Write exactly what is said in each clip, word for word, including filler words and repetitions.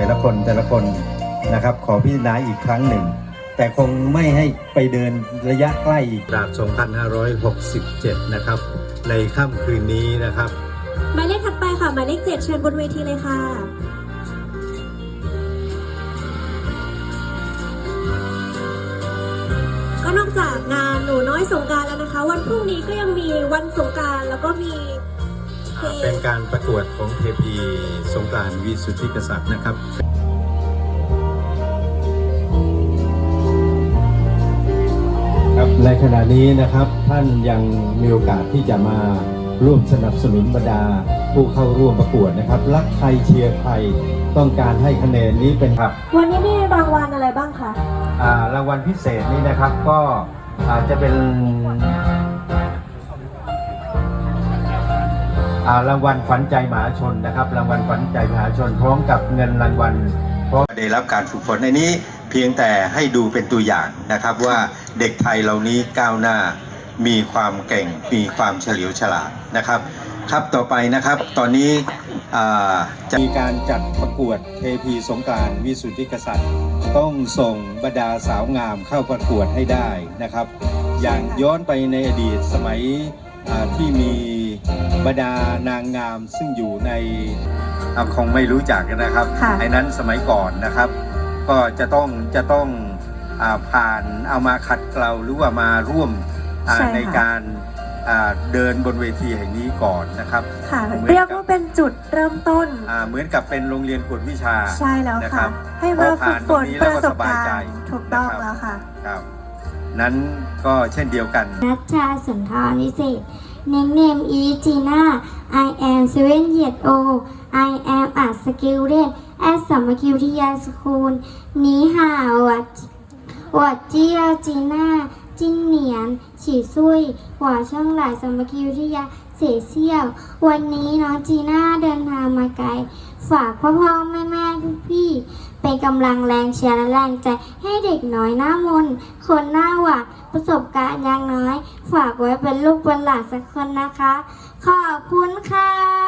แต่ละคนแต่ละคนนะครับขอพิจารณาอีกครั้งหนึ่งแต่คงไม่ให้ไปเดินระยะใกล้อีกจาก สองพันห้าร้อยหกสิบเจ็ด นะครับในค่ำคืนนี้นะครับหมายเลขถัดไปค่ะหมายเลขเจ็ดเชิญบนเวทีเลยค่ะก็นอกจากงานหนูน้อยสงกรานต์แล้วนะคะวันพรุ่งนี้ก็ยังมีวันสงกรานต์แล้วก็มีเป็นการประกวดของเทพีสงกรานต์วิสุทธิกษัตริย์นะครับครับในขณะนี้นะครับท่านยังมีโอกาสที่จะมาร่วมสนับสนุนบรรดาผู้เข้าร่วมประกวดนะครับรักใครเชียร์ใครต้องการให้คะแนนนี้เป็นครับวันนี้มีรางวัลอะไรบ้างคะอ่ารางวัลพิเศษนี้นะครับก็อาจจะเป็นรางวัลขวัญใจมหาชนนะครับรางวัลขวัญใจมหาชนพร้อมกับเงินรางวัลเพราะได้รับการฝึกฝนในนี้เพียงแต่ให้ดูเป็นตัวอย่างนะครับว่าเด็กไทยเหล่านี้ก้าวหน้ามีความเก่งมีความเฉลียวฉลาดนะครับครับต่อไปนะครับตอนนี้จะมีการจัดประกวดเทพีสงกรานต์วิสุทธิกษัตริย์ต้องส่งบรรดาสาวงามเข้าประกวดให้ได้นะครับอย่างย้อนไปในอดีตสมัยที่มีบรรดานางงามซึ่งอยู่ในคงไม่รู้จักนะครับไอ้นั้นสมัยก่อนนะครับก็จะต้องจะต้องผ่านเอามาขัดเกลาหรือว่ามาร่วมในการเดินบนเวทีแห่งนี้ก่อนนะครับเรียกว่าเป็นจุดเริ่มต้นเหมือนกับเป็นโรงเรียนกวดวิชาใช่แล้วค่ะให้มาฝึกฝนประสบการณ์ถูกต้องแล้วค่ะครับนั้นก็เช่นเดียวกันนัชชาสุนทรวิเศษ Nickname is Gina I am seven years old I am a student at Samakirtiya School 你好我我叫 Gina 今年七岁我ช่องหลายสามัคคีวิทยาเสียเซี่ยววันนี้น้องจีน่าเดินทางมาไกลฝากพ่อพ่อแม่แม่พี่ๆเป็นกำลังแรงเชียร์และแรงใจให้เด็กน้อยหน้ามนคนหน้าหวานประสบการณ์อย่างน้อยฝากไว้เป็นลูกเป็นหลานสักคนนะคะขอบคุณค่ะ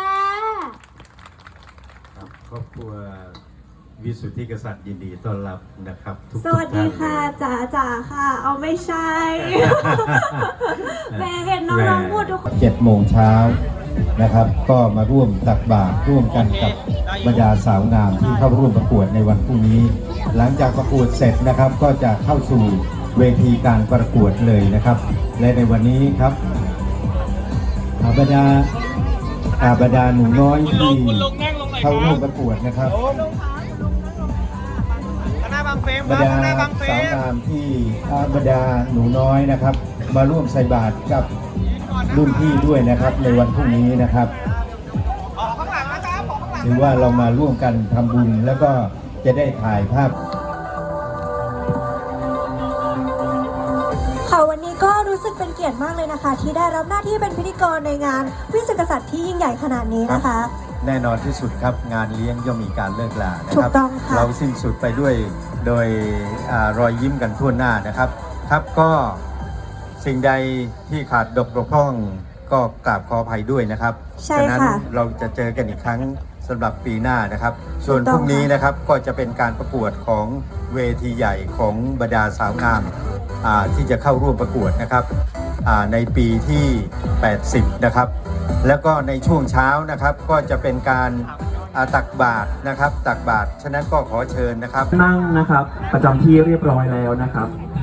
ครอบครัววิสุทธิกษัตริย์ยินดีต้อนรับนะครับทุกสวัสดีค่ะจ๋าจ๋าค่ะเอาไม่ใช่แม่เห็นน้องๆพูดทุกคนเจ็ดโมงเช้านะครับก็มาร่วมตักบาตรร่วมกันกับบรรดาสาวงามที่เข้าร่วมประกวดในวันพรุ่งนี้หลังจากประกวดเสร็จนะครับก็จะเข้าสู่เวทีการประกวดเลยนะครับและในวันนี้ครับบรรดาบรรดาหนูน้อยที่เข้าร่วมประกวดนะครับบรรดาสาวงามที่บรรดาหนูน้อยนะครับมาร่วมใส่บาตรกับรุ่นพี่ด้วยนะครับในวันพรุ่งนี้นะครับถือว่าเรามาร่วมกันทำบุญแล้วก็จะได้ถ่ายภาพค่ะวันนี้ก็รู้สึกเป็นเกียรติมากเลยนะคะที่ได้รับหน้าที่เป็นพิธีกรในงานวิสุทธิกษัตริย์ที่ยิ่งใหญ่ขนาดนี้นะคะแน่นอนที่สุดครับงานเลี้ยงย่อมมีการเลิกลานะครับเราสิ้นสุดไปด้วยโดยรอยยิ้มกันทั่วหน้านะครับครับก็สิ่งใดที่ขาดตกบกพร่องก็กราบขออภัยด้วยนะครับฉะนั้นเราจะเจอกันอีกครั้งสำหรับปีหน้านะครับส่วนพรุ่งนี้นะครับก็จะเป็นการประกวดของเวทีใหญ่ของบรรดาสาวงามที่จะเข้าร่วมประกวดนะครับในปีที่แปดสิบนะครับแล้วก็ในช่วงเช้านะครับก็จะเป็นการตักบาตรนะครับตักบาตรฉะนั้นก็ขอเชิญนะครับนั่งนะครับประจำที่เรียบร้อยแล้วนะครับ